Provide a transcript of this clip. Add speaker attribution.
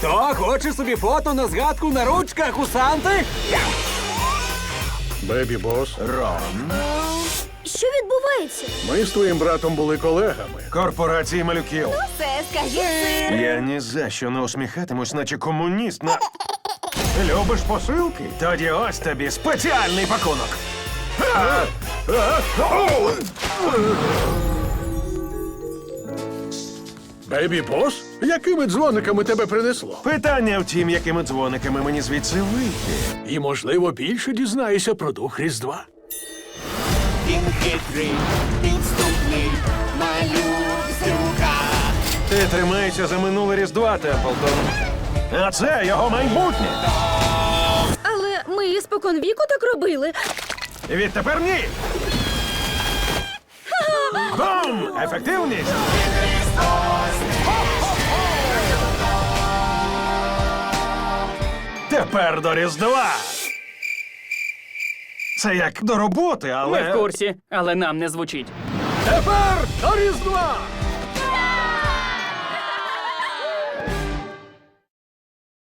Speaker 1: Хто хоче собі фото на згадку на ручках у Санти?
Speaker 2: Бебі Бос,
Speaker 1: Рон.
Speaker 3: Що відбувається?
Speaker 2: ми з твоїм братом були колегами.
Speaker 4: Корпорації малюків.
Speaker 3: Це, скажіть, сир.
Speaker 4: Я ні за що не усміхатимусь, наче комуніст на... Любиш посилки? Тоді ось тобі спеціальний пакунок.
Speaker 2: Бебі Бос? Якими дзвониками тебе принесло?
Speaker 4: Питання в тім, якими дзвониками мені звідси вийти.
Speaker 2: І, можливо, більше дізнаєшся про дух Різдва.
Speaker 5: Він хитрий, підступний, малюк-зюка.
Speaker 4: Ти тримаєшся за минуле Різдва, Темплтон. А це його майбутнє.
Speaker 3: Але ми споконвіку так робили.
Speaker 4: Відтепер ні. Бум! Ефективність! Тепер до Різдва. Це як до роботи, але...
Speaker 6: Ми в курсі, але нам не звучить.
Speaker 2: Тепер до Різдва!